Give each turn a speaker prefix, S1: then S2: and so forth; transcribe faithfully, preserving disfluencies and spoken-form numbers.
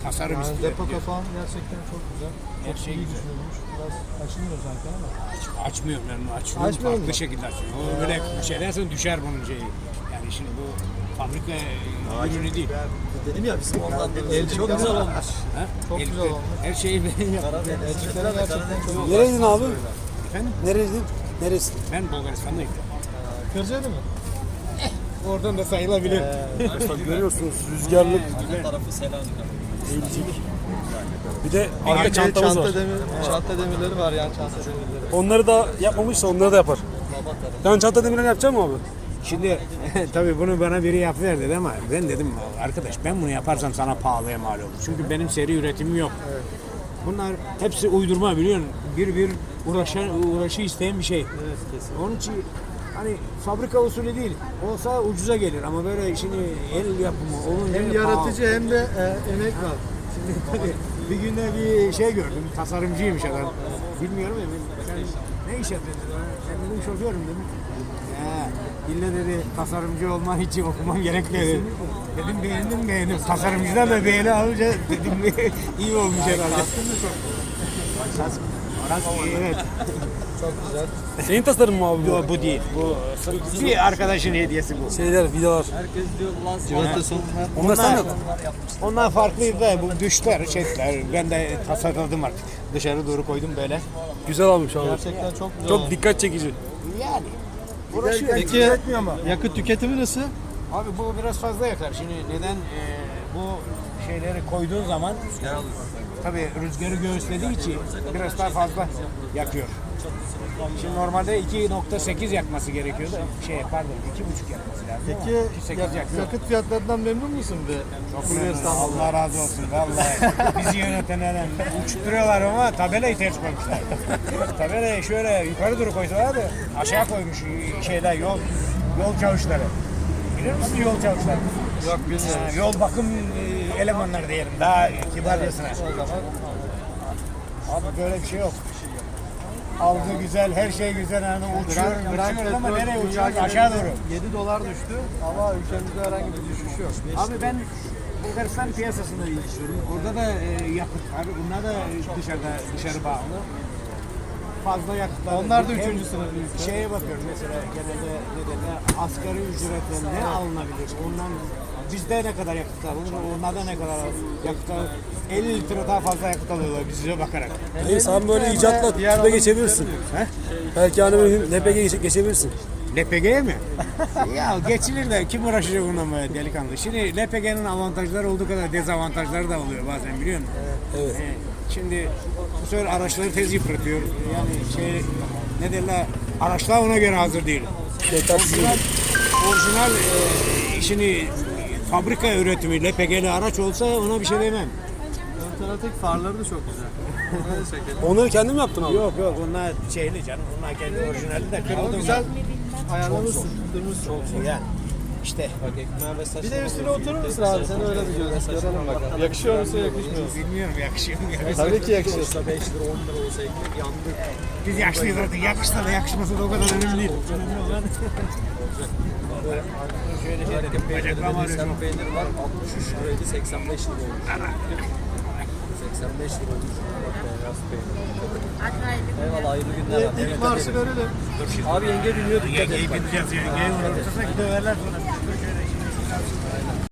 S1: tasarım
S2: Yani
S1: istiyor.
S2: depo kapağın gerçekten çok güzel.
S1: Her
S2: Çok
S1: şey
S2: iyi
S1: güzel.
S2: düşünülmüş. Biraz açılmıyor zaten ama.
S1: Aç, açmıyorum ben bunu açıyorum.
S2: Açmıyor
S1: Farklı
S2: mu?
S1: şekilde açıyorum. O böyle bir şey dersen düşer bunun şeyi. Yani şimdi bu fabrika ürünü değil.
S3: Dedim ya bizim ondan
S2: El çok güzel olmuş.
S1: Ha?
S2: Çok
S1: El-
S2: güzel olmuş.
S1: Her şeyi ben yaptım.
S2: Elçiklere gerçekten çok güzel.
S4: Nereydin abi?
S1: Efendim?
S4: Nereydin? Neresi?
S1: Ben Bulgaristan'dayım.
S2: Kırcaydı mı?
S1: Oradan da sayılabilir.
S4: Bak görüyorsunuz rüzgarlık,
S3: Her tarafı Selanik.
S4: eğicilik. Bir de arka
S2: Arka
S4: çantamız
S2: çanta
S4: var.
S2: demir, çanta demirleri var yani çanta demirleri.
S4: Onları da yapmamışsa onları da yapar. Yani çanta demirlerini yapacak mı abi?
S1: Şimdi tabii bunu bana biri yap ver dedi ama ben dedim arkadaş ben bunu yaparsam sana pahalıya mal olur. Çünkü benim seri üretimim yok. Bunlar hepsi uydurma biliyorsun. Bir bir uğraşan, uğraşı isteyen bir şey.
S2: Evet kesin.
S1: Onun için hani fabrika usulü değil. Olsa ucuza gelir ama böyle şimdi el yapımı olunca
S2: Hem
S1: pahalı.
S2: yaratıcı hem de e, emek var.
S1: Şimdi tabii bir günde bir şey gördüm. Tasarımcıymış adam. Bilmiyorum ya ben, sen ne iş yapıyorsun dedi. Ben dedim şoförüm dedim. Ya illa dedi tasarımcı olman için okumam gerekmiyor dedi. Dedim beğendim beğendim. Tasarımcıdan da beğeni alınca dedim iyi olmuş herhalde.
S2: Kaskın da çok
S1: Kask. Kask iyi, evet.
S2: çok güzel.
S4: Senin tasarımın mı abi bu?
S1: Yo, bu değil. Bu bir arkadaşın hediyesi bu.
S4: Şeyler, vidalar.
S3: Herkes diyor ulan
S2: Civata son.
S4: Onlar sen mi yaptın?
S1: Onlar farklıydı da bu düşler, şeyler. Ben de tasarladım artık. Dışarı doğru koydum böyle.
S4: Güzel almış abi.
S2: Gerçekten çok güzel.
S4: Çok dikkat çekici.
S1: Yani. Uğraşıyor.
S2: Peki yakıt tüketimi nasıl?
S1: Abi bu biraz fazla yakar. Şimdi neden e, bu şeyleri koyduğun zaman tabii rüzgarı göğüslediği için biraz daha fazla yakıyor. Şimdi normalde iki nokta sekiz yakması gerekiyordu. Şey pardon iki buçuk yakması lazım.
S2: Peki
S1: ama iki sekiz
S2: yak-
S1: yakıyor.
S2: yakıt fiyatlarından memnun musun be?
S1: Çok
S2: Bulgaristan
S1: memnunum. Allah razı olsun vallahi. Bizi yönetenlerden uçturuyorlar ama tabelayı ters koymuşlar. Tabelayı şöyle yukarı doğru koysalar da aşağı koymuş şeyler yol yol çavuşları. Bilir misin yol çavuşları?
S2: Yok bilmiyorum.
S1: Ha, yol bakım e, elemanları diyelim daha kibarcasına.
S2: O zaman
S1: Abi böyle bir şey yok. Algı güzel, her şey güzel yani uçuyoruz, uçuyoruz ama nereye uçuyoruz? Aşağı doğru.
S2: yedi dolar düştü ama ülkemizde herhangi bir düşüş yok.
S1: Abi ben Bulgaristan piyasasında çalışıyorum. Orada da e, yakıt var. Bunlar da dışarıda dışarı bağlı. Fazla yakıtlar.
S2: Onlar da
S1: Hem
S2: üçüncü sınıf ülke.
S1: Şeye bakıyorum mesela genelde ne derler asgari ücretle ne alınabilir? Ondan bizde ne kadar yakıt alınır? Onlarda ne kadar yakıt alınır? elli litre daha fazla yakıt alıyorlar bize bakarak.
S4: Hey, sen böyle icatla tüpe geçebilirsin.
S1: He?
S4: Belki hani böyle L P G geçe- geçebilirsin.
S1: L P G'ye mi? Ya geçilir de kim uğraşacak bununla böyle delikanlı. Şimdi L P G'nin avantajları olduğu kadar dezavantajları da oluyor bazen biliyor musun?
S4: Evet.
S1: Ee, şimdi bu sefer araçları tez yıpratıyor. Yani şey ne derler araçlar ona göre hazır değil.
S4: Yetersiz.
S1: Orijinal, orijinal e, işini fabrika üretimi L P G'li araç olsa ona bir şey demem.
S2: Otomatik farları da çok güzel. Onları da çekelim.
S4: Onları kendin mi yaptın abi?
S1: Yok yok onlar şeyli canım. Onlar kendi orijinali de
S2: Ama
S1: kırıldı.
S2: güzel ayarlamışsın, tutturmuşsun.
S1: Yani işte
S2: Bir de üstüne oturur musun abi? Sen öyle bir görelim, görelim bakalım. Yakışıyor musun, yakışmıyor musun?
S1: bilmiyorum yakışıyor mu yakışmıyor.
S2: Tabii ki yakışıyor.
S3: beş lira on lira olsa ekmek yandı.
S1: Biz yaşlıyız artık. Yakışsa da yakışmasa da o kadar önemli değil. Önemli olan şöyle şey dedim. Bacaklarım ağrıyor.
S3: Sen peynir var altmış üç liraydı seksen beş lira olmuş. seksen beş lira olmuş. Bak beyaz peynir. Eyvallah hayırlı günler. abi.
S2: İlk marşı verelim.
S3: Abi yenge dinliyor dikkat et.
S1: Yengeyi bineceğiz. Yengeyi unutursak döverler sonra.